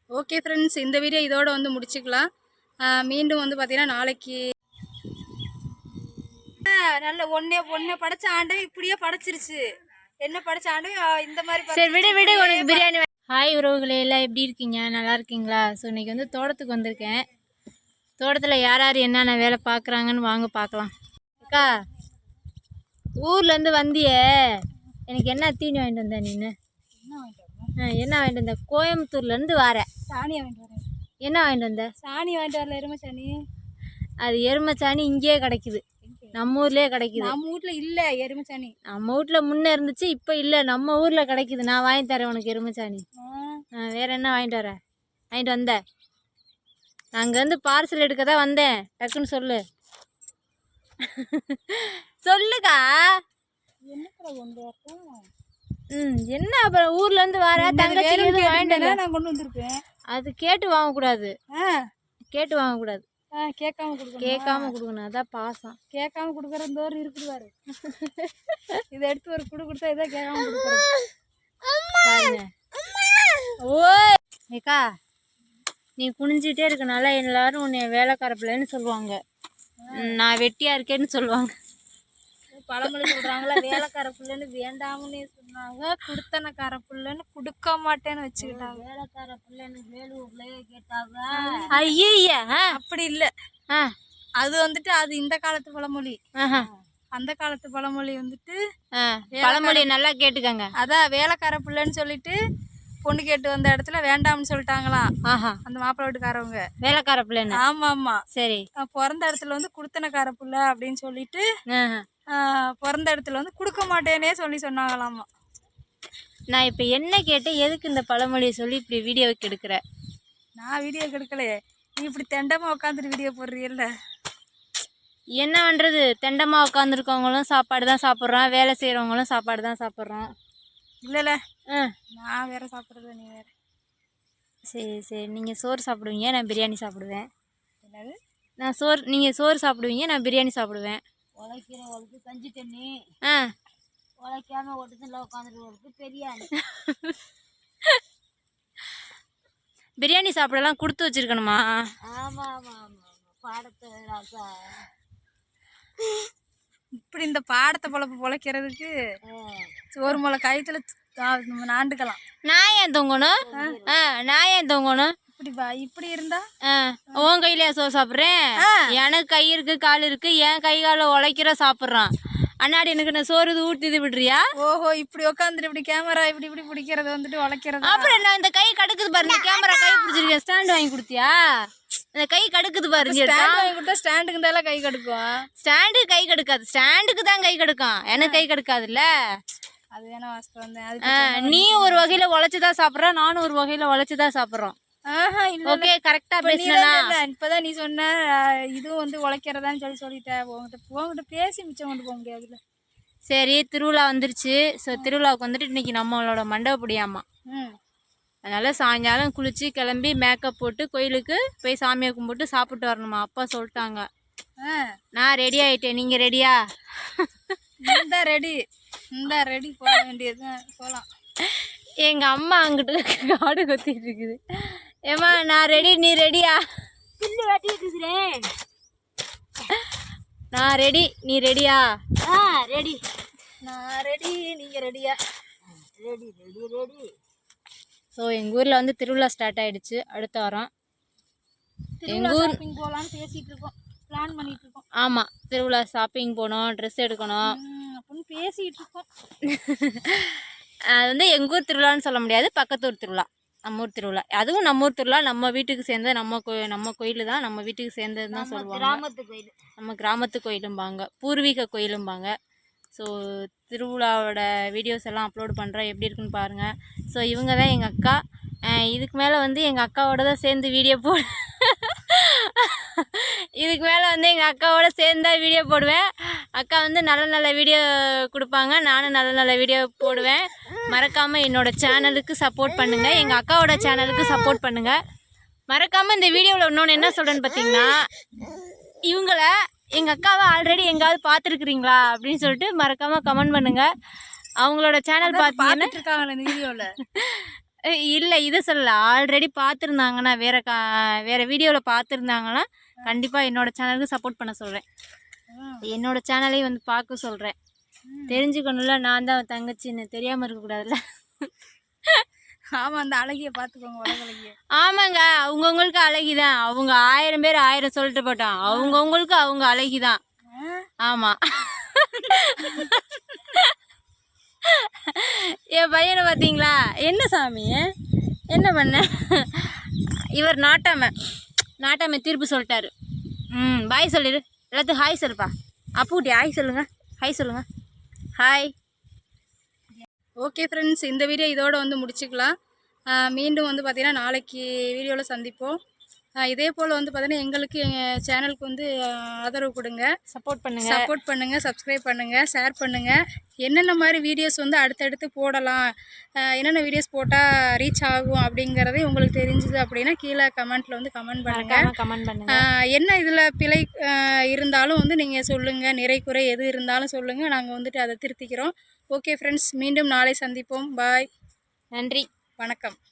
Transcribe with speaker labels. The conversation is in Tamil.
Speaker 1: ஓகே ஃப்ரெண்ட்ஸ், இந்த வீடியோ இதோட வந்து முடிச்சுக்கலாம். மீண்டும் வந்து பார்த்தீங்கன்னா நாளைக்கு நல்ல ஒன்னே படைச்ச ஆண்டவன் இப்படியே படைச்சிருச்சு. என்ன படைச்ச ஆண்டவன் இந்த மாதிரி
Speaker 2: சரி விடு உனக்கு பிரியாணி. ஹாய் உறவுகளே, எல்லாம் எப்படி இருக்கீங்க? நல்லா இருக்கீங்களா? ஸோ இன்றைக்கி வந்து தோட்டத்துக்கு வந்திருக்கேன். தோட்டத்தில் யார் யார் என்னென்ன வேலை பார்க்குறாங்கன்னு வாங்க பார்க்கலாம். அக்கா, ஊர்லேருந்து வந்தியே, எனக்கு என்ன தீனி வாங்கிட்டு வந்த நீನು? என்ன வாங்கிட்டு வந்த? கோயம்புத்தூர்லேருந்து வரேன்.
Speaker 1: சாணி வாங்கிட்டு வரேன்.
Speaker 2: என்ன வாங்கிட்டு வந்த?
Speaker 1: சாணி வாங்கிட்டு வரல, எருமை சாணி.
Speaker 2: அது எருமை சாணி இங்கேயே கிடைக்குது, நம்ம ஊர்லேயே கிடைக்குது.
Speaker 1: நம்ம வீட்டில் இல்லை எருமை சாணி.
Speaker 2: நம்ம வீட்டில் முன்னே இருந்துச்சு, இப்போ இல்லை, நம்ம ஊரில் கிடைக்குது. நான் வாங்கி தரேன் உனக்கு எருமை சாணி. வேறு என்ன வாங்கிட்டு வரேன்? வாங்கிட்டு வந்தேன். நான் அங்கேருந்து பார்சல் எடுக்க தான் வந்தேன். டக்குன்னு சொல்லு. சொல்லுக்கா. என்ன அப்புறம் ஊர்லேருந்து வர தங்கச்சி வாங்கிட்டு
Speaker 1: நான் கொண்டு வந்திருப்பேன்.
Speaker 2: அது கேட்டு வாங்கக்கூடாது, கேட்டு வாங்கக்கூடாது.
Speaker 1: கேட்காம கொடுக்கணும்.
Speaker 2: கேட்காம கொடுக்கணும், அதான் பாசம்.
Speaker 1: கேட்காம கொடுக்குறதோறு இருக்குதுவாரு. இதை எடுத்து ஒரு குடு கொடுத்தா இதான் கேட்காம கொடுக்குறது
Speaker 2: பாருங்க. ஓ ஏக்கா, நீ குனிஞ்சிட்டே இருக்கனால எல்லாரும் உன்னை வேலைக்கார பிள்ளைன்னு சொல்லுவாங்க, நான் வெட்டியா இருக்கேன்னு சொல்லுவாங்க.
Speaker 1: பழமொழி சொல்றாங்களா, வேலைக்கார பிள்ளைன்னு வேண்டாமன்னு சொன்னாங்க, குடுத்தனக்கார பிள்ளைன்னு கொடுக்க மாட்டேன்னு வச்சுக்கிட்டாங்க.
Speaker 2: வேலைக்கார பிள்ளைன்னு வேலூர்லயே கேட்டாங்க. ஐயா
Speaker 1: அப்படி இல்லை, அது வந்துட்டு அது இந்த காலத்து பழமொழி. அந்த காலத்து பழமொழி வந்துட்டு
Speaker 2: பழமொழி நல்லா கேட்டுக்கங்க.
Speaker 1: அதான் வேலைக்கார பிள்ளைன்னு சொல்லிட்டு பொண்ணு கேட்டு வந்த இடத்துல வேண்டாம்னு சொல்லிட்டாங்களாம் அந்த மாப்பிள்ளை வீட்டுக்காரவங்க.
Speaker 2: வேலைக்கார பிள்ளைன்னு.
Speaker 1: ஆமா ஆமா.
Speaker 2: சரி.
Speaker 1: பிறந்த இடத்துல வந்து குடுத்தனக்கார பிள்ளை அப்படின்னு சொல்லிட்டு பிறந்த இடத்துல வந்து கொடுக்க மாட்டேனே சொன்னாங்களாமா.
Speaker 2: நான் இப்போ என்ன கேட்டேன், எதுக்கு இந்த பழமொழியை சொல்லி இப்படி வீடியோவுக்கு எடுக்கிற?
Speaker 1: நான் வீடியோ எடுக்கலையே, நீ இப்படி தெண்டமாக உட்காந்துட்டு வீடியோ போடுறீல்ல.
Speaker 2: என்ன பண்ணுறது, தெண்டமாக உட்காந்துருக்கவங்களும் சாப்பாடு தான் சாப்பிட்றோம், வேலை செய்கிறவங்களும் சாப்பாடு தான் சாப்பிட்றோம்.
Speaker 1: இல்லைல்ல, நான் வேற சாப்பிட்றது, நீ வேற.
Speaker 2: சரி சரி, நீங்கள் சோறு சாப்பிடுவீங்க, நான் பிரியாணி சாப்பிடுவேன்.
Speaker 1: என்னது?
Speaker 2: நீங்கள் சோறு சாப்பிடுவீங்க, நான் பிரியாணி சாப்பிடுவேன்.
Speaker 1: உழைக்கிறவங்களுக்கு கஞ்சி தண்ணி, உழைக்காம ஒட்டுல உட்காந்துருவங்களுக்கு பிரியாணி.
Speaker 2: பிரியாணி சாப்பிடலாம் கொடுத்து வச்சிருக்கணுமா?
Speaker 1: ஆமா ஆமா ஆமா. பாடத்தை இப்படி இந்த பாடத்தை பொழைக்கிறதுக்கு ஒரு முளை கயிற்றுல நாண்டுக்கலாம்.
Speaker 2: நான் ஏன் தொங்கணும்? நான் ஏன் தொங்கணும்?
Speaker 1: இப்படி இருந்தா
Speaker 2: உன் கையிலேயே சோறு சாப்பிட்றேன். எனக்கு கை இருக்கு, கால் இருக்கு, என் கை கால உழைக்கிற சாப்பிட்றான். அண்ணாடி எனக்கு நான் சோறு ஊட்டி விடுறியா?
Speaker 1: ஓஹோ, இப்படி உட்காந்துட்டு இப்படி கேமரா இப்படி பிடிக்கிறது வந்துட்டு உழைக்கிறது.
Speaker 2: அப்புறம் நான் இந்த கை கடுக்குது பாருங்க, கேமரா கை பிடிச்சிருக்கேன். ஸ்டாண்ட் வாங்கி கொடுத்தியா? இந்த கை கடுக்குது பாருங்க.
Speaker 1: ஸ்டாண்ட் வாங்கி கொடுத்தா ஸ்டாண்டுக்கு தான் கை கடுக்கும்.
Speaker 2: ஸ்டாண்டு கை கடுக்காது, ஸ்டாண்டுக்கு தான் கை கடுக்கும், எனக்கு கை கடுக்காதுல்ல.
Speaker 1: அது வேணா வாஸ்தவம்.
Speaker 2: நீ ஒரு வகையில உழைச்சுதான் சாப்பிட்ற, நானும் ஒரு வகையில உழைச்சுதான் சாப்பிட்றோம். ஓகே, கரெக்டா பேசுனா.
Speaker 1: இப்பதான் நீ சொன்ன இதுவும் வந்து உழைக்கிறதான்னு சொல்லிட்டேன். உங்ககிட்ட பேசி மிச்சம் கொண்டு போக முடியாதுல்ல.
Speaker 2: சரி, திருவிழா வந்துருச்சு. ஸோ திருவிழாவுக்கு வந்துட்டு இன்னைக்கு நம்மளோட மண்டபப்படியாமா. அதனால சாயங்காலம் குளிச்சு கிளம்பி மேக்கப் போட்டு கோயிலுக்கு போய் சாமியை கும்பிட்டு சாப்பிட்டு வரணுமா. அப்பா சொல்லிட்டாங்க. நான் ரெடி ஆயிட்டேன், நீங்க ரெடியா?
Speaker 1: இந்த ரெடி போக வேண்டியது போகலாம்.
Speaker 2: எங்க அம்மா அங்கிட்டு காடு கொத்திட்டு இருக்குது. ஏமா நான் ரெடி, நீ ரெடியா? நான் ரெடி, நீ ரெடியா?
Speaker 1: ரெடி. நான் ரெடி, நீங்க ரெடியா? ரெடி.
Speaker 2: ஸோ எங்கள் ஊரில் வந்து திருவிழா ஸ்டார்ட் ஆகிடுச்சு. அடுத்த வாரம்
Speaker 1: எங்கள் ஊர் போகலான்னு பேசிகிட்டு இருக்கோம், பிளான் பண்ணிகிட்டு இருக்கோம்.
Speaker 2: ஆமாம், திருவிழா ஷாப்பிங் போகணும், ட்ரெஸ் எடுக்கணும்
Speaker 1: அப்படின்னு பேசிகிட்டு இருக்கோம்.
Speaker 2: அது வந்து எங்கள் ஊர் திருவிழான்னு சொல்ல முடியாது, பக்கத்தூர் திருவிழா, நம்ம ஊர் திருவிழா. அதுவும் நம்ம ஊர் திருவிழா, நம்ம வீட்டுக்கு சேர்ந்தது, நம்ம கோயில் தான், நம்ம வீட்டுக்கு சேர்ந்தது தான் சொல்லுவாங்க.
Speaker 1: கிராமத்து கோயில்,
Speaker 2: நம்ம கிராமத்து கோயிலும்பாங்க, பூர்வீக கோயிலும்பாங்க. ஸோ திருவிழாவோட வீடியோஸ் எல்லாம் அப்லோட் பண்ணுறேன், எப்படி இருக்குன்னு பாருங்கள். ஸோ இவங்க தான் எங்கள் அக்கா. இதுக்கு மேலே வந்து எங்கள் அக்காவோட தான் சேர்ந்து வீடியோ இதுக்கு மேலே வந்து எங்கள் அக்காவோட சேர்ந்து தான் வீடியோ போடுவேன். அக்கா வந்து நல்ல வீடியோ கொடுப்பாங்க, நானும் நல்ல வீடியோ போடுவேன். மறக்காமல் என்னோடய சேனலுக்கு சப்போர்ட் பண்ணுங்கள், எங்கள் அக்காவோட சேனலுக்கு சப்போர்ட் பண்ணுங்கள். மறக்காமல் இந்த வீடியோவில் இன்னொன்று என்ன சொல்கிறேன்னு பார்த்தீங்கன்னா, இவங்கள எங்கள் அக்காவை ஆல்ரெடி எங்காவது பார்த்துருக்குறீங்களா அப்படின்னு சொல்லிட்டு மறக்காமல் கமெண்ட் பண்ணுங்கள். அவங்களோட சேனல் பார்த்துருக்காங்களே இந்த வீடியோவில். இல்லை இதை சொல்லல, ஆல்ரெடி பார்த்துருந்தாங்கன்னா வேறு வீடியோவில் பார்த்துருந்தாங்கன்னா கண்டிப்பாக என்னோடய சேனலுக்கு சப்போர்ட் பண்ண சொல்கிறேன். என்னோடய சேனலையும் வந்து பார்க்க சொல்கிறேன். தெரிஞ்சுக்கணும்ல, நான் தான் தங்கச்சின்னு தெரியாமல் இருக்கக்கூடாதுல்ல.
Speaker 1: ஆமாம், அந்த அழகியை பார்த்துக்கோங்க, உலக அழகிய.
Speaker 2: ஆமாங்க, அவங்கவுங்களுக்கு அழகிதான். அவங்க 1000 பேர் 1000 சொல்லிட்டு போட்டோம், அவங்கவுங்களுக்கு அவங்க அழகிதான். ஆமாம். என் பையனை பார்த்தீங்களா? என்ன சாமி என்ன பண்ண? இவர் நாட்டாமை தீர்ப்பு சொல்லிட்டாரு. பாய் சொல்லிடு, எல்லாத்துக்கும் ஹாய் சொல்லுப்பா. அப்புக்குட்டி ஹாய் சொல்லுங்கள், ஹாய் சொல்லுங்கள், ஹாய்.
Speaker 1: ஓகே ஃப்ரெண்ட்ஸ், இந்த வீடியோ இதோட வந்து முடிச்சுக்கலாம். மீண்டும் வந்து பார்த்திங்கன்னா நாளைக்கு வீடியோவில் சந்திப்போம். இதே போல் வந்து பார்த்திங்கன்னா எங்களுக்கு எங்கள் சேனலுக்கு வந்து ஆதரவு கொடுங்க, சப்போர்ட் பண்ணுங்கள், சப்ஸ்கிரைப் பண்ணுங்கள், ஷேர் பண்ணுங்கள். என்னென்ன மாதிரி வீடியோஸ் வந்து அடுத்தடுத்து போடலாம், என்னென்ன வீடியோஸ் போட்டால் ரீச் ஆகும் அப்படிங்கிறதே உங்களுக்கு தெரிஞ்சுது அப்படின்னா கீழே கமெண்ட்டில் வந்து கமெண்ட் பண்ணுங்கள். என்ன இதில் பிழை இருந்தாலும் வந்து நீங்கள் சொல்லுங்கள், நிறை குறை எது இருந்தாலும் சொல்லுங்கள், நாங்கள் வந்துட்டு அதை திருத்திக்கிறோம். ஓகே ஃப்ரெண்ட்ஸ், மீண்டும் நாளை சந்திப்போம். பாய்,
Speaker 2: நன்றி,
Speaker 1: வணக்கம்.